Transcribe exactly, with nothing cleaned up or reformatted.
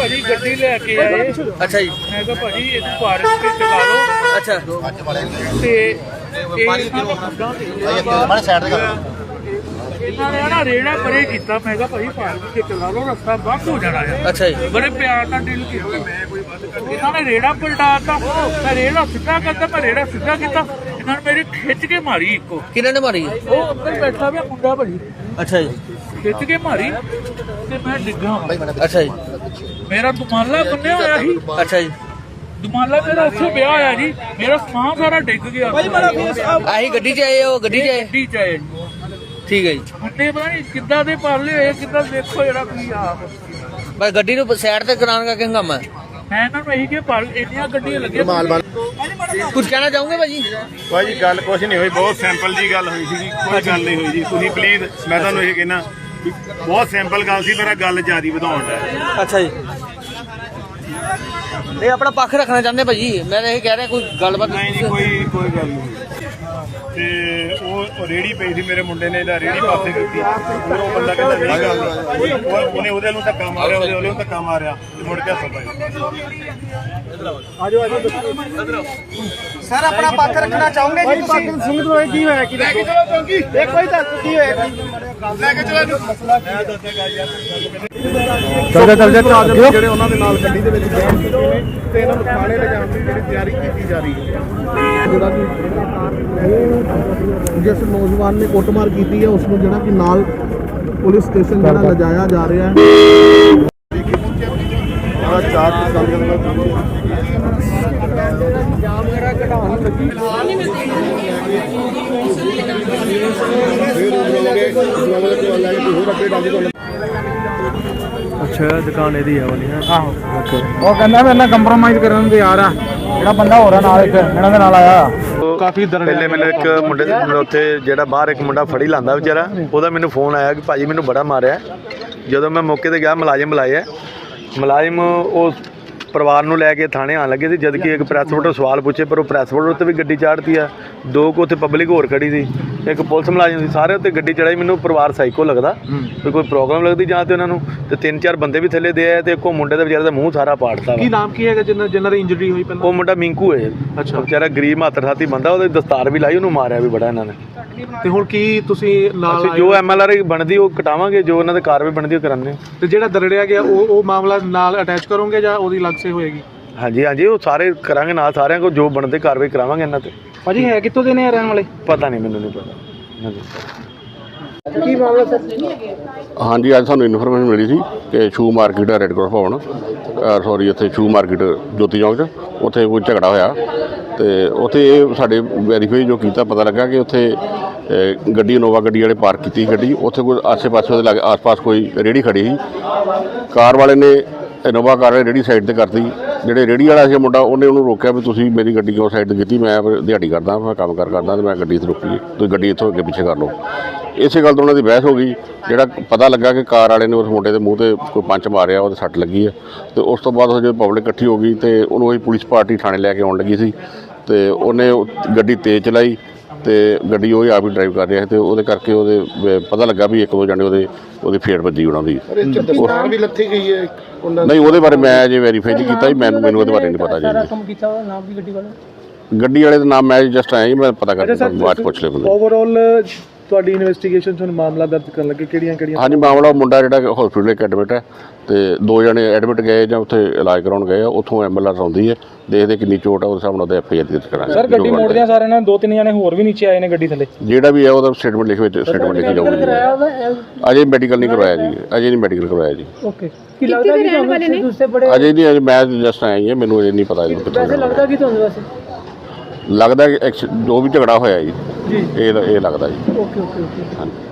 ਭਾਜੀ ਗੱਡੀ ਲੈ ਕੇ ਆਏ। ਅੱਛਾ ਜੀ। ਮੈਂ ਕਿਹਾ ਭਾਜੀ ਇਹਨੂੰ ਪਾਰਕ ਤੇ ਚਲਾ ਲਓ। ਅੱਛਾ ਤੇ ਮਾੜੇ ਸਾਈਡ ਤੇ ਕਰ ਇਹਨਾਂ ਨੇ ਨਾ ਰੇੜਾ ਪਰੇ ਕੀਤਾ। ਮੈਂ ਕਿਹਾ ਭਾਜੀ ਪਾਰਕ ਤੇ ਚਲਾ ਲਓ, ਰਸਤਾ ਬੰਦ ਹੋ ਜਾਣਾ ਆ। ਅੱਛਾ ਜੀ। ਬੜੇ ਪਿਆਰ ਨਾਲ ਡੀਲ ਕੀਤਾ। ਇਹਨਾਂ ਨੇ ਰੇੜਾ ਪਲਟਾਤਾ। ਮੈਂ ਰੇੜਾ ਸਿੱਧਾ ਕਰਦਾ, ਮੈਂ ਰੇੜਾ ਸਿੱਧਾ ਕੀਤਾ। ਇਹਨਾਂ ਨੇ ਮੇਰੀ ਖਿੱਚ ਕੇ ਮਾਰੀ ਇੱਕੋ। ਕਿਹਨਾਂ ਨੇ ਮਾਰੀ? ਉਹ ਅੰਦਰ ਬੈਠਾ ਪਿਆ ਮੁੰਡਾ ਭਾਜੀ, ਅੱਛਾ ਜੀ। ਖਿੱਚ ਕੇ ਮਾਰੀ ਤੇ ਮੈਂ ਡਿੱਗਾ। ਅੱਛਾ ਜੀ। ਮੇਰਾ ਦੁਮਾਲਾ ਬੰਨਿਆ ਹੋਇਆ ਸੀ। ਅੱਛਾ ਜੀ। ਦੁਮਾਲਾ ਮੇਰਾ ਉੱਥੇ ਪਿਆ ਹੋਇਆ ਜੀ। ਮੇਰਾ ਸਮਾਨ ਸਾਰਾ ਡਿੱਗ ਗਿਆ। ਆਹੀ ਗੱਡੀ 'ਚ ਆਏ ਉਹ ਗੱਡੀ 'ਚ ਆਏ? ਗੱਡੀ ਚ ਆਏ। ਠੀਕ ਹੈ ਜੀ। ਮੁੰਡੇ ਪਤਾ ਨਹੀਂ ਕਿੱਦਾਂ ਦੇ ਪਾਲੇ ਹੋਏ, ਕਿੱਦਾਂ ਦੇਖੋ ਜਿਹੜਾ ਕੀ ਆ। ਬਸ ਗੱਡੀ ਨੂੰ ਸਾਈਡ ਤੇ ਕਰਾਉਣ ਕਰਕੇ ਹੰਗਾਮਾ। ਮੈਂ ਇਹਨਾਂ ਨੂੰ ਇਹੀ ਕਿ ਪਰ ਇੰਨੀਆਂ ਗੱਡੀਆਂ ਲੱਗੀਆਂ। ਕੁਝ ਕਹਿਣਾ ਚਾਹੋਗੇ ਭਾਜੀ? ਭਾਜੀ ਗੱਲ ਕੁਛ ਨਹੀਂ ਹੋਈ, ਬਹੁਤ ਸਿੰਪਲ ਜੀ ਗੱਲ ਹੋਈ ਸੀ। ਕੋਈ ਗੱਲ ਨਹੀਂ ਹੋਈ ਜੀ। ਤੁਸੀਂ ਪਲੀਜ਼, ਮੈਂ ਤੁਹਾਨੂੰ ਇਹ ਕਹਿਣਾ ਬਹੁਤ ਸਿੰਪਲ ਗੱਲ ਸੀ। ਮੇਰਾ ਗੱਲ ਜ਼ਿਆਦਾ ਵਧਾਉਣ ਦਾ। ਅੱਛਾ ਜੀ। ਇਹ ਆਪਣਾ ਪੱਖ ਰੱਖਣਾ ਚਾਹੁੰਦੇ ਭਾਜੀ? ਮੈਂ ਤਾਂ ਇਹ ਕਹਿ ਰਿਹਾ ਕੋਈ ਗੱਲਬਾਤ ਨਹੀਂ ਜੀ, ਕੋਈ ਕੋਈ ਗੱਲ ਨਹੀਂ। ਤੇ ਉਹ ਰੇੜੀ ਪਈ ਸੀ, ਮੇਰੇ ਮੁੰਡੇ ਨੇ ਇਹਦਾ ਰੇੜੀ ਪਾਸੇ ਕੀਤੀ। ਫਿਰ ਉਹ ਬੰਦਾ ਕਹਿੰਦਾ ਨਹੀਂ ਗੱਲ, ਉਹਨੇ ਉਹਦੇ ਨੂੰ ਧੱਕਾ ਮਾਰਿਆ, ਉਹਦੇ ਉਹਦੇ ਨੂੰ ਧੱਕਾ ਮਾਰਿਆ, ਮੁੜ ਕੇ ਹੱਥੋਂ ਪਾਈ। ਆਜੋ ਆਜੋ ਸਰ ਆਪਣਾ ਪੱਖ ਰੱਖਣਾ ਚਾਹੋਗੇ ਜੀ ਤੁਸੀਂ? ਸਿੰਘ ਤੋਂ ਕੀ ਹੋਇਆ? ਕੀ ਲੈ ਕੇ ਚਲੋ ਚੌਂਕੀ, ਇੱਕ ਕੋਈ ਦੱਸ ਕੀ ਹੋਇਆ? ਲੈ ਕੇ ਚਲੋ ਇਹਨੂੰ। ਮਸਲਾ ਕੀ ਦੱਸੇਗਾ ਯਾਰ? ਚੱਲ ਚੱਲ ਚੱਲ ਜਿਹੜੇ ਉਹਨਾਂ ਦੇ ਨਾਲ ਗੱਡੀ ਦੇ ਵਿੱਚ ਜੈਮ ਕੀਤੇ ਨੇ ਤੇ ਇਹਨਾਂ ਨੂੰ ਥਾਣੇ ਲਿਜਾਣ ਦੀ ਜਿਹੜੀ ਤਿਆਰੀ ਕੀਤੀ ਜਾ ਰਹੀ ਹੈ। ਜਿਹੜਾ ਕਿ ਜਿਸ ਨੌਜਵਾਨ ਨੇ ਕੁੱਟਮਾਰ ਕੀਤੀ ਹੈ ਉਸ ਨੂੰ ਜਿਹੜਾ ਕਿ ਨਾਲ ਪੁਲਿਸ ਸਟੇਸ਼ਨ ਜਿਹੜਾ ਲਿਜਾਇਆ ਜਾ ਰਿਹਾ ਹੈ। ਚਾਰ ਅੱਛਾ ਦੁਕਾਨ ਇਹਦੀ ਹੈ ਵਾਲੀ ਹੈ। ਆਹੋ ਉਹ ਕਹਿੰਦਾ ਮੇਰੇ ਨਾਲ ਕੰਪਰੋਮਾਈਜ਼ ਕਰਨ ਨੂੰ ਤਿਆਰ ਆ। ਜਿਹੜਾ ਬੰਦਾ ਹੋ ਰਿਹਾ ਨਾਲ ਇੱਕ ਇਹਨਾਂ ਦੇ ਨਾਲ ਆਇਆ ਕਾਫੀ ਪਹਿਲੇ ਮੈਨੂੰ ਇੱਕ ਮੁੰਡੇ ਉੱਥੇ ਜਿਹੜਾ ਬਾਹਰ ਇੱਕ ਮੁੰਡਾ ਫੜੀ ਲਾਂਦਾ ਵਿਚਾਰਾ, ਉਹਦਾ ਮੈਨੂੰ ਫੋਨ ਆਇਆ ਕਿ ਭਾਜੀ ਮੈਨੂੰ ਬੜਾ ਮਾਰਿਆ। ਜਦੋਂ ਮੈਂ ਮੌਕੇ ਤੇ ਗਿਆ, ਮੁਲਾਜ਼ਮ ਬੁਲਾਇਆ। ਮੁਲਾਜ਼ਮ ਉਹ ਪਰਿਵਾਰ ਨੂੰ ਲੈ ਕੇ ਥਾਣੇ ਆਉਣ ਲੱਗੇ ਸੀ, ਜਦ ਕਿ ਇੱਕ ਪ੍ਰੈਸ ਵੋਟਰ ਸਵਾਲ ਪੁੱਛੇ, ਪਰ ਉਹ ਪ੍ਰੈਸ ਵੋਟਰ ਉੱਤੇ ਵੀ ਗੱਡੀ ਚਾੜਤੀ ਆ। ਦੋ ਕੁ ਉੱਥੇ ਪਬਲਿਕ ਹੋਰ ਖੜੀ ਸੀ, ਇੱਕ ਪੁਲਿਸ ਮੁਲਾਜ਼ਮ ਸੀ, ਸਾਰੇ ਉੱਤੇ ਗੱਡੀ ਚੜਾਈ। ਮੈਨੂੰ ਪਰਿਵਾਰ ਸਾਈਕੋ ਲੱਗਦਾ, ਕੋਈ ਕੋਈ ਪ੍ਰੋਬਲਮ ਲੱਗਦੀ ਜਾਂ ਤੇ ਉਹਨਾਂ ਨੂੰ। ਤੇ ਤਿੰਨ ਚਾਰ ਬੰਦੇ ਵੀ ਥੱਲੇ ਦੇ ਆਏ ਤੇ ਇੱਕੋ ਮੁੰਡੇ ਦਾ ਵਿਚਾਰੇ ਦਾ ਮੂੰਹ ਸਾਰਾ ਪਾੜਤਾ। ਕੀ ਨਾਮ ਕੀ ਹੈਗਾ ਜਿੰਨਾ ਜਿੰਨਾਂ ਦੀ ਇੰਜਰੀ ਹੋਈ ਪਹਿਲਾਂ? ਉਹ ਮੁੰਡਾ ਮਿੰਕੂ ਹੈ। ਅੱਛਾ। ਵਿਚਾਰਾ ਗਰੀਬ ਮਾਤਰ ਸਾਥੀ ਬੰਦਾ, ਉਹਦੇ ਦਸਤਾਰ ਵੀ ਲਾਈ, ਉਹਨੂੰ ਮਾਰਿਆ ਵੀ ਬੜਾ ਇਹਨਾਂ ਨੇ। ਤੇ ਹੁਣ ਕੀ ਤੁਸੀਂ ਨਾਲ ਅਸੀਂ ਜੋ ਐਮ ਐਲ ਆਰ ਬਣਦੀ ਉਹ ਕਟਾਵਾਂਗੇ, ਜੋ ਉਹਨਾਂ ਦੇ ਕਾਰਵਾਈ ਬਣਦੀ ਉਹ ਕਰਾਂਗੇ। ਤੇ ਜਿਹੜਾ ਦਰੜਿਆ ਗਿਆ ਉਹ ਉਹ ਮਾਮਲਾ ਨਾਲ ਅਟੈਚ ਕਰੋਗੇ ਜਾਂ ਉਹਦੀ ਅਲੱਗ ਸੇ ਹੋਏਗੀ? ਹਾਂਜੀ ਹਾਂਜੀ, ਉਹ ਸਾਰੇ ਕਰਾਂਗੇ ਨਾਲ, ਸਾਰਿਆਂ ਕੋਲ ਜੋ ਬਣਦੇ ਕਾਰਵਾਈ ਕਰਾਵਾਂਗੇ ਇਹਨਾਂ ਤੇ। ਭਾਜੀ ਹੈ ਕਿੱਥੋਂ ਦੇ ਨੇ ਰਹਿਣ ਵਾਲੇ? ਪਤਾ ਨਹੀਂ, ਮੈਨੂੰ ਨਹੀਂ ਪਤਾ। ਹਾਂਜੀ ਕੀ ਮਾਮਲਾ ਸਰ? ਹਾਂਜੀ, ਅੱਜ ਸਾਨੂੰ ਇਨਫੋਰਮੇਸ਼ਨ ਮਿਲੀ ਸੀ ਕਿ shoe market red cross Bhawan, sorry ਇੱਥੇ ਸ਼ੂ ਮਾਰਕੀਟ ਜੋਤੀ ਚੌਂਕ 'ਚ ਉੱਥੇ ਕੋਈ ਝਗੜਾ ਹੋਇਆ। ਤੇ ਉੱਥੇ ਇਹ ਸਾਡੇ ਵੈਰੀਫਾਈ ਜੋ ਕੀਤਾ, ਪਤਾ ਲੱਗਾ ਕਿ ਉੱਥੇ ਗੱਡੀ ਇਨੋਵਾ ਗੱਡੀ ਵਾਲੇ ਪਾਰਕ ਕੀਤੀ ਗੱਡੀ। ਉੱਥੇ ਕੋਈ ਆਸੇ ਪਾਸੇ ਉਹਦੇ ਲਾਗੇ ਆਸ-ਪਾਸ ਕੋਈ ਰੇਹੜੀ ਖੜੀ ਸੀ। ਕਾਰ ਵਾਲੇ ਨੇ ਇਨੋਵਾ ਕਾਰ ਵਾਲੇ ਰੇਹੜੀ ਸਾਈਡ 'ਤੇ ਕਰਤੀ। ਜਿਹੜੇ ਰੇਹੜੀ ਵਾਲਾ ਸੀ ਮੁੰਡਾ, ਉਹਨੇ ਉਹਨੂੰ ਰੋਕਿਆ ਵੀ ਤੁਸੀਂ ਮੇਰੀ ਗੱਡੀ ਕਿਉਂ ਸਾਈਡ 'ਤੇ ਕੀਤੀ? ਮੈਂ ਦਿਹਾੜੀ ਕਰਦਾ, ਮੈਂ ਕੰਮ ਕਾਰ ਕਰਦਾ, ਅਤੇ ਮੈਂ ਗੱਡੀ ਇੱਥੇ ਰੋਕੀ, ਤੁਸੀਂ ਗੱਡੀ ਇੱਥੋਂ ਅੱਗੇ ਪਿੱਛੇ ਕਰ ਲਓ। ਇਸੇ ਗੱਲ ਤੋਂ ਉਹਨਾਂ ਦੀ ਬਹਿਸ ਹੋ ਗਈ। ਜਿਹੜਾ ਪਤਾ ਲੱਗਾ ਕਿ ਕਾਰ ਵਾਲੇ ਨੇ ਉਸ ਮੁੰਡੇ ਦੇ ਮੂੰਹ 'ਤੇ ਕੋਈ ਪੰਚ ਮਾਰਿਆ, ਉਹਦੇ ਸੱਟ ਲੱਗੀ ਹੈ। ਅਤੇ ਉਸ ਤੋਂ ਬਾਅਦ ਜਦੋਂ ਪਬਲਿਕ ਇਕੱਠੀ ਹੋ ਗਈ ਅਤੇ ਉਹਨੂੰ ਉਹੀ ਪੁਲਿਸ ਪਾਰਟੀ ਥਾਣੇ ਲੈ ਕੇ ਆਉਣ ਲੱਗੀ ਸੀ, ਅਤੇ ਉਹਨੇ ਗੱਡੀ ਤੇਜ਼ ਚਲਾਈ ਅਤੇ ਗੱਡੀ ਉਹ ਆਪ ਹੀ ਡਰਾਈਵ ਕਰ ਰਿਹਾ ਸੀ। ਅਤੇ ਉਹਦੇ ਕਰਕੇ ਉਹਦੇ ਪਤਾ ਲੱਗਾ ਵੀ ਇੱਕ ਦੋ ਜਣੇ ਉਹਦੇ ਉਹਦੀ ਫੇਟ ਵੱਜੀ ਉਹਨਾਂ ਦੀ। ਵੀ ਲੱਥੀ ਗਈ ਹੈ। ਨਹੀਂ, ਉਹਦੇ ਬਾਰੇ ਮੈਂ ਅਜੇ ਵੈਰੀਫਾਈ ਨਹੀਂ ਕੀਤਾ ਜੀ, ਮੈਨੂੰ ਮੈਨੂੰ ਉਹਦੇ ਬਾਰੇ ਨਹੀਂ ਪਤਾ ਜੀ। ਗੱਡੀ ਵਾਲੇ ਦਾ ਨਾਮ ਮੈਂ ਜਸਟ ਆਇਆ ਜੀ, ਮੈਂ ਪਤਾ ਕਰਕੇ ਬਾਅਦ ਪੁੱਛ ਲਿਆ ਬੰਦੇ। ਓਵਰਆਲ ਤੁਹਾਡੀ ਇਨਵੈਸਟੀਗੇਸ਼ਨ 'ਚ ਹੁਣ ਮਾਮਲਾ ਦਰਜ ਕਰਨ ਲੱਗੇ ਕਿਹੜੀਆਂ ਕਿਹੜੀਆਂ? ਹਾਂਜੀ, ਮਾਮਲਾ ਮੁੰਡਾ ਜਿਹੜਾ ਹਸਪੀਟਲ ਇੱਕ ਐਡਮਿਟ ਹੈ, ਅਤੇ ਦੋ ਜਣੇ ਐਡਮਿਟ ਗਏ ਜਾਂ ਉੱਥੇ ਇਲਾਜ ਕਰਾਉਣ ਗਏ ਆ। ਉੱਥੋਂ ਐਮ ਐਲ ਆਰ ਆਉਂਦੀ ਹੈ, ਦੇਖਦੇ ਕਿੰਨੀ ਚੋਟ ਆ, ਉਸ ਹਿਸਾਬ ਨਾਲ ਉਹਦੇ ਐਫ ਆਈ ਆਰ ਦਰਜ ਕਰਾਂਗੇ। ਸਰ ਗੱਡੀ ਮੋੜਦਿਆਂ ਸਾਰਿਆਂ ਨੇ ਦੋ ਤਿੰਨ ਜਣੇ ਹੋਰ ਵੀ ਨੀਚੇ ਆਏ ਨੇ ਗੱਡੀ ਥੱਲੇ? ਜਿਹੜਾ ਵੀ ਹੈ ਉਹਦਾ ਸਟੇਟਮੈਂਟ ਲਿਖ ਵਿੱਚ ਸਟੇਟਮੈਂਟ ਲਿਖੀ ਜਾਊਗੀ। ਅਜੇ ਮੈਡੀਕਲ ਨਹੀਂ ਕਰਵਾਇਆ ਜੀ, ਅਜੇ ਨਹੀਂ ਮੈਡੀਕਲ ਕਰਵਾਇਆ ਜੀ। ਓਕੇ। ਕੀ ਲੱਗਦਾ ਕਿ ਤੁਹਾਨੂੰ ਦੂਸਰੇ ਬੜੇ ਅਜੇ ਨਹੀਂ, ਅਜੇ ਮੈਂ ਜਸਟ ਆਇਆ ਜੀ, ਮੈਨੂੰ ਅਜੇ ਨਹੀਂ ਪਤਾ ਇਹਨੂੰ ਕਿੱਥੋਂ ਲੱਗਦਾ ਕਿ ਤੁਹਾਨੂੰ ਵੈਸੇ ਲੱਗਦਾ ਕਿ ਜੋ ਵੀ ਝਗੜਾ ਹੋਇਆ ਜੀ, ਇਹ ਇਹ ਲੱਗਦਾ ਜੀ। Okay okay okay. ਹਾਂਜੀ।